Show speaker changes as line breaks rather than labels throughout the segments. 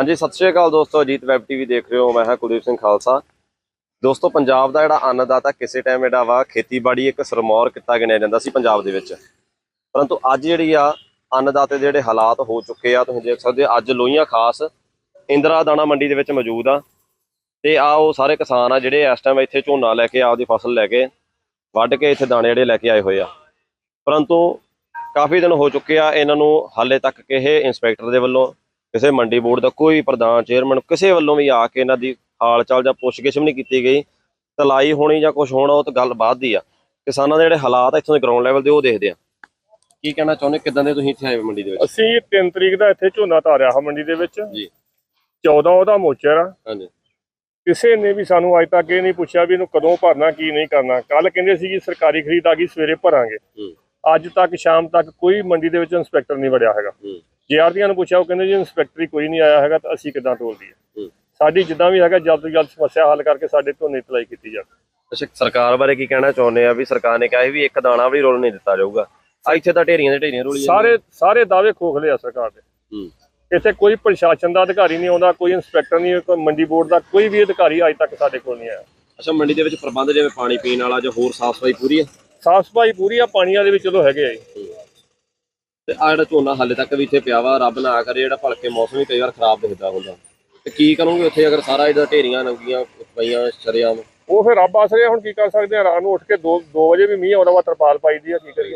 हाँ जी, सत श्री अकाल दोस्तों। अजीत वैब टीवी देख रहे हो। मैं हाँ कुलदीप सिंह खालसा। दोस्तों, पंजाब का जिहड़ा अन्नदाता किसी टाइम जिहड़ा वा खेतीबाड़ी एक सरमौर किता गिणिया जांदा सी पंजाब दे विच, परंतु अज जिहड़ी आ अन्नदाते दे जिहड़े हालात हो चुके आ, तुसीं देख सकदे हो। अज लोहियां खास इंदिरा दाणा मंडी दे विच मौजूद आ ते आ वो सारे किसान आ जिहड़े इस टाइम इत्थे झोना लैके आपदी फसल लैके वढ के इत्थे दाणे जिहड़े लैके आए होए आ, परंतु काफ़ी दिन हो चुके आ। इन्हां नूं हाले तक किसी इंस्पैक्टर दे वल्लों, किसी मंडी बोर्ड का कोई प्रधान चेयरमैन किसी वल्लों भी आके इन्हां दी हाल चाल जां पुੱਛ-ਗਿੱਛ भी नहीं की गई। तलाई होनी जां कुछ होना वो तो गल बात दी आ। किसानां दे जिहड़े हालात इत्थों दे ग्राउंड लैवल दे वो देखदे आ। की कहना चाहुंदे, किदां दे तुसीं इत्थे आए मंडी दे विच?
ਅਸੀਂ 3 ਤਰੀਕ ਦਾ ਇੱਥੇ ਝੋਨਾ ਧਾਰਿਆ ਹਾਂ ਮੰਡੀ ਦੇ ਵਿੱਚ
ਜੀ।
14 ਉਹਦਾ ਮੋਚਰ ਆ।
ਹਾਂਜੀ।
ਕਿਸੇ ਨੇ ਵੀ ਸਾਨੂੰ ਅੱਜ ਤੱਕ ਇਹ ਨਹੀਂ ਪੁੱਛਿਆ ਵੀ ਇਹਨੂੰ ਕਦੋਂ ਭਰਨਾ, ਕੀ ਨਹੀਂ ਕਰਨਾ। ਕੱਲ ਕਹਿੰਦੇ ਸੀ ਕਿ ਸਰਕਾਰੀ ਖਰੀਦ ਆ ਗਈ, ਸਵੇਰੇ ਭਰਾਂਗੇ। ਅੱਜ ਤੱਕ ਸ਼ਾਮ ਤੱਕ ਕੋਈ ਮੰਡੀ ਦੇ ਵਿੱਚ ਇੰਸਪੈਕਟਰ ਨਹੀਂ ਵੜਿਆ ਹੈਗਾ। ਜੇਆਰਟੀਆਂ ਨੂੰ ਪੁੱਛਿਆ, ਉਹ ਕਹਿੰਦੇ ਜੀ ਇੰਸਪੈਕਟਰ ਕੋਈ ਨਹੀਂ ਆਇਆ ਹੈਗਾ, ਤਾਂ ਅਸੀਂ ਕਿੱਦਾਂ ਤੋਲ ਦਈਏ। ਸਾਡੀ ਜਿੱਦਾਂ ਵੀ ਹੈਗਾ ਜਲਦ ਤੋਂ ਜਲਦ ਸਮੱਸਿਆ ਹੱਲ ਕਰਕੇ ਸਾਡੇ ਝੋਨੇ ਤਲਾਈ ਕੀਤੀ ਜਾਵੇ।
ਅੱਛਾ, ਸਰਕਾਰ ਬਾਰੇ ਕੀ ਕਹਿਣਾ ਚਾਹੁੰਦੇ ਆ? ਵੀ ਸਰਕਾਰ ਨੇ ਕਿਹਾ ਵੀ ਇੱਕ ਦਾਣਾ ਵੀ ਰੋਲ ਨਹੀਂ ਦਿੱਤਾ ਜਾਊਗਾ। ਇੱਥੇ ਤਾਂ ਢੇਰੀਆਂ ਦੇ ਢੇਰੀਆਂ ਰੋਲੀ
ਸਾਰੇ ਦਾਅਵੇ ਖੋਖਲੇ ਆ ਸਰਕਾਰ ਦੇ। ਇੱਥੇ ਕੋਈ ਪ੍ਰਸ਼ਾਸਨ ਦਾ ਅਧਿਕਾਰੀ ਨਹੀਂ ਆਉਂਦਾ, ਕੋਈ ਇੰਸਪੈਕਟਰ ਨਹੀਂ, ਕੋਈ ਮੰਡੀ ਬੋਰਡ ਦਾ ਕੋਈ ਵੀ ਅਧਿਕਾਰੀ ਅੱਜ ਤੱਕ ਸਾਡੇ ਕੋਲ ਨਹੀਂ ਆਇਆ।
ਅੱਛਾ, ਮੰਡੀ ਦੇ ਵਿੱਚ ਪ੍ਰਬੰਧ ਜਿਵੇਂ ਪਾਣੀ ਪੀਣ ਵਾਲਾ ਜਾਂ ਹੋਰ ਸਾਫ਼ ਸਫਾਈ ਪੂਰੀ ਹੈ?
ਸਾਫ਼ ਸਫਾਈ ਪੂਰੀ ਆ, ਪਾਣੀਆਂ ਦੇ ਵਿੱਚ ਚਲੋ ਹੈਗੇ ਆ ਜੀ।
ਤੇ ਆ ਜਿਹੜਾ ਝੋਨਾ ਹਾਲੇ ਤੱਕ ਵੀ ਇੱਥੇ ਪਿਆ ਵਾ, ਰੱਬ ਨਾ ਕਰੇ ਜਿਹੜਾ ਭਲਕੇ ਮੌਸਮ ਵੀ ਕਈ ਵਾਰ ਖਰਾਬ ਦਿਖਦਾ ਹੁੰਦਾ, ਤੇ ਕੀ ਕਰੋਗੇ ਉੱਥੇ ਅਗਰ ਸਾਰਾ ਇਹਦਾ ਢੇਰੀਆਂ ਨੰਗੀਆਂ ਪਈਆਂ ਸ਼ਰੇਆਮ?
ਉਹ ਫਿਰ ਰੱਬ ਆਸਰੇ ਹੁਣ ਕੀ ਕਰ ਸਕਦੇ ਆ। ਰਾਤ ਨੂੰ ਉੱਠ ਕੇ 2 ਵਜੇ ਵੀ ਮੀਂਹ ਆਉਂਦਾ ਵਾ, ਤਰਪਾਲ ਪਾਈ ਦੀ ਆ, ਕੀ ਕਰੀਏ।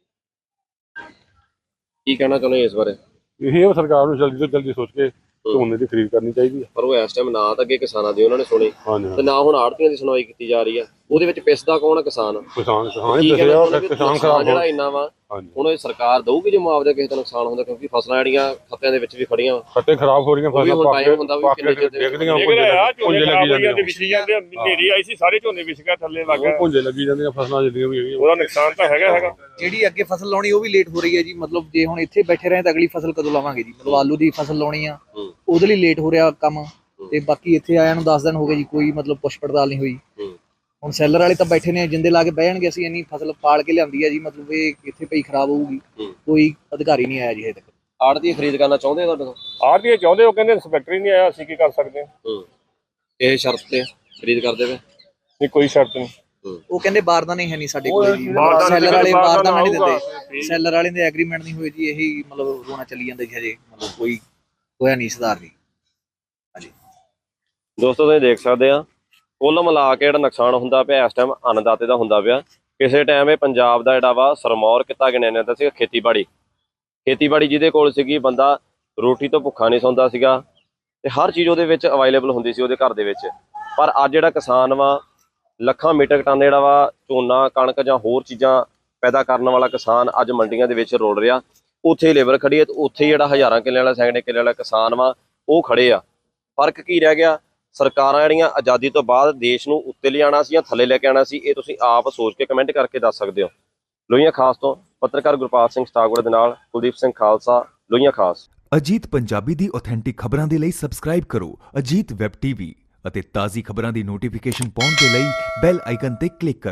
ਕੀ ਕਹਿਣਾ ਚਾਹੁੰਦੇ ਇਸ ਬਾਰੇ?
ਇਹ ਸਰਕਾਰ ਨੂੰ ਜਲਦੀ ਤੋਂ ਜਲਦੀ ਸੋਚ ਕੇ ਝੋਨੇ ਦੀ ਖਰੀਦ ਕਰਨੀ ਚਾਹੀਦੀ ਹੈ।
ਪਰ ਉਹ ਇਸ ਟਾਈਮ ਨਾ ਤਾਂ ਅੱਗੇ ਕਿਸਾਨਾਂ ਦੀ ਉਹਨਾਂ ਨੇ ਸੁਣੀ ਤੇ ਨਾ ਹੁਣ ਆੜਤੀਆਂ ਦੀ ਸੁਣਵਾਈ ਕੀਤੀ ਜਾ ਰਹੀ ਆ। ਉਹਦੇ ਵਿੱਚ ਪਿਸਦਾ ਕੌਣ ਆ? ਕਿਸਾਨ
ਕਿਸਾਨ ਖਰਾਬ
ਜਿਹੜਾ ਇੰਨਾ ਵਾ, ਹੁਣ ਇਹ ਸਰਕਾਰ ਦਊਗੀ ਜੇ ਮੁਆਵਜ਼ਾ ਕਿਸੇ ਦਾ ਨੁਕਸਾਨ ਹੁੰਦਾ, ਕਿਉਂਕਿ ਫਸਲਾਂ ਜਿਹੜੀਆਂ ਖੱਤਿਆਂ ਦੇ ਵਿੱਚ ਵੀ ਖੜੀਆਂ
ਖੱਤੇ ਖਰਾਬ ਹੋ ਰਹੀਆਂ, ਫਸਲਾਂ
ਟਾਈਮ ਹੁੰਦਾ ਵੀ ਕਿੰਨੇ ਚਿਰ
ਦੇਖਦੀਆਂ ਪੁੰਜੇ ਲੱਗੀ ਜਾਂਦੀਆਂ, ਵਿਛੀ ਜਾਂਦੇ। ਹਨੇਰੀ ਆਈ ਸੀ, ਸਾਰੇ ਝੋਨੇ ਵਿਛ ਗਿਆ, ਥੱਲੇ ਲੱਗ ਗਿਆ, ਪੁੰਜੇ ਲੱਗੀ ਜਾਂਦੀਆਂ ਫਸਲਾਂ ਜਿਹੜੀਆਂ ਵੀ ਹੈਗੀਆਂ। ਉਹਦਾ ਨੁਕਸਾਨ ਤਾਂ ਹੈਗਾ।
ਜਿਹੜੀ ਅੱਗੇ ਫਸਲ ਲਾਉਣੀ ਉਹ ਵੀ ਲੇਟ ਹੋ ਰਹੀ ਹੈ ਜੀ। ਮਤਲਬ ਜੇ ਹੁਣ ਇੱਥੇ ਬੈਠੇ ਰਹੇ ਤਾਂ ਅਗਲੀ ਫਸਲ ਕਦੋਂ ਲਾਵਾਂਗੇ ਜੀ। ਮਤਲਬ ਆਲੂ ਦੀ ਫਸਲ ਲਾਉਣੀ ਆ, ਉਹਦੇ ਲਈ ਲੇਟ ਹੋ ਰਿਹਾ ਕੰਮ। ਤੇ ਬਾਕੀ ਇੱਥੇ ਆਇਆ ਨੂੰ 10 ਦਿਨ ਹੋ ਗਏ ਜੀ, ਕੋਈ ਮਤਲਬ ਪੁੱਛ ਪੜਤਾਲ ਨਹੀਂ ਹੋਈ। ਹੁਣ ਸੈਲਰ ਵਾਲੇ ਤਾਂ ਬੈਠੇ ਨੇ, ਜਿੰਦੇ ਲਾ ਕੇ ਬਹਿ ਜਾਣਗੇ, ਅਸੀਂ ਇੰਨੀ ਫਸਲ ਪਾਲ ਕੇ ਲਿਆਂਦੀ ਹੈ ਜੀ, ਮਤਲਬ ਇਹ ਇੱਥੇ ਪਈ ਖਰਾਬ ਹੋਊਗੀ। ਕੋਈ ਅਧਿਕਾਰੀ ਨਹੀਂ ਆਇਆ ਜੀ ਹਜੇ ਤੱਕ।
ਆੜਤੀ ਖਰੀਦ ਕਰਨਾ ਚਾਹੁੰਦੇ ਤੁਹਾਡੇ ਤੋਂ?
ਆੜਤੀ ਚਾਹੁੰਦੇ, ਉਹ ਕਹਿੰਦੇ ਇੰਸਪੈਕਟਰ ਹੀ ਨਹੀਂ ਆਇਆ, ਅਸੀਂ ਕੀ ਕਰ ਸਕਦੇ ਹਾਂ।
ਇਹ ਸ਼ਰਤ ਤੇ ਖਰੀਦ ਕਰਦੇ ਵੇ?
ਨਹੀਂ, ਕੋਈ ਸ਼ਰਤ ਨਹੀਂ।
ਉਹ ਕਹਿੰਦੇ ਬਾਰਦਾਨਾ ਹੈ ਨਹੀਂ ਸਾਡੇ ਕੋਲ ਜੀ। ਸੈਲਰ ਵਾਲੇ ਬਾਰਦਾਨਾ ਨਹੀਂ ਦਿੰਦੇ, ਸੈਲਰ ਵਾਲੇ ਦੇ ਐਗਰੀਮੈਂਟ ਨਹੀਂ ਹੋਏ ਜੀ। ਇਹੀ ਮਤਲਬ ਰੋਣਾ ਚੱਲੀ ਜਾਂਦਾ ਜੀ ਹਜੇ, ਮਤਲਬ ਕੋਈ ਹੋਇਆ ਨਹੀਂ ਸੁਧਾਰ ਜੀ। ਹਾਂਜੀ
ਦੋਸਤੋ, ਤੁਸੀਂ ਦੇਖ ਸਕਦੇ ਆ ਕੁੱਲ ਮਿਲਾ ਕੇ ਜਿਹੜਾ ਨੁਕਸਾਨ ਹੁੰਦਾ ਪਿਆ ਇਸ ਟਾਈਮ ਅੰਨਦਾਤੇ ਦਾ ਹੁੰਦਾ ਪਿਆ। ਕਿਸੇ ਟਾਈਮ ਇਹ ਪੰਜਾਬ ਦਾ ਜਿਹੜਾ ਵਾ ਸਰਮੌਰ ਕਿੱਤਾ ਗਿਣਿਆ ਜਾਂਦਾ ਸੀ। ਖੇਤੀਬਾੜੀ ਜਿਹਦੇ ਕੋਲ ਸੀਗੀ, ਬੰਦਾ ਰੋਟੀ ਤੋਂ ਭੁੱਖਾ ਨਹੀਂ ਸੌਂਦਾ ਸੀਗਾ ਤੇ ਹਰ ਚੀਜ਼ ਉਹਦੇ ਵਿੱਚ ਅਵੇਲੇਬਲ ਹੁੰਦੀ ਸੀ ਉਹਦੇ ਘਰ ਦੇ ਵਿੱਚ। ਪਰ ਅੱਜ ਜਿਹੜਾ ਕਿਸਾਨ ਵਾ, ਲੱਖਾਂ ਮੀਟਰ ਟਨ ਜਿਹੜਾ ਵਾ ਝੋਨਾ, ਕਣਕ ਜਾਂ ਹੋਰ ਚੀਜ਼ਾਂ ਪੈਦਾ ਕਰਨ ਵਾਲਾ ਕਿਸਾਨ ਅੱਜ ਮੰਡੀਆਂ ਦੇ ਵਿੱਚ ਰੋਲ ਰਿਹਾ। ਉੱਥੇ ਲੇਬਰ ਖੜੀ ਹੈ ਤੇ ਉੱਥੇ ਜਿਹੜਾ ਹਜ਼ਾਰਾਂ ਕਿੱਲੇ ਵਾਲਾ, ਸੈਂਕੜੇ ਕਿੱਲੇ ਵਾਲਾ ਕਿਸਾਨ ਵਾ ਉਹ ਖੜੇ ਆ। ਫਰਕ ਕੀ ਰਹਿ ਗਿਆ? ਸਰਕਾਰਾਂ ਜਿਹੜੀਆਂ ਆਜ਼ਾਦੀ ਤੋਂ ਬਾਅਦ ਦੇਸ਼ ਨੂੰ ਉੱਤੇ ਲਿਆਉਣਾ ਸੀ ਜਾਂ ਥੱਲੇ ਲੈ ਕੇ ਆਉਣਾ ਸੀ, ਇਹ ਤੁਸੀਂ ਆਪ ਸੋਚ ਕੇ ਕਮੈਂਟ ਕਰਕੇ ਦੱਸ ਸਕਦੇ ਹੋ। ਲੋਹੀਆਂ ਖਾਸ ਤੋਂ ਪੱਤਰਕਾਰ ਗੁਰਪਾਲ ਸਿੰਘ ਸਟਾਗੁੜ ਦੇ ਨਾਲ ਕੁਲਦੀਪ ਸਿੰਘ ਖਾਲਸਾ, ਲੋਹੀਆਂ ਖਾਸ।
ਅਜੀਤ ਪੰਜਾਬੀ ਦੀ ਆਥੈਂਟਿਕ ਖਬਰਾਂ ਦੇ ਲਈ ਸਬਸਕ੍ਰਾਈਬ ਕਰੋ ਅਜੀਤ ਵੈਬ ਟੀਵੀ ਅਤੇ ਤਾਜ਼ੀ ਖਬਰਾਂ ਦੀ ਨੋਟੀਫਿਕੇਸ਼ਨ ਪਾਉਣ ਦੇ ਲਈ ਬੈਲ ਆਈਕਨ ਤੇ ਕਲਿੱਕ ਕਰੋ।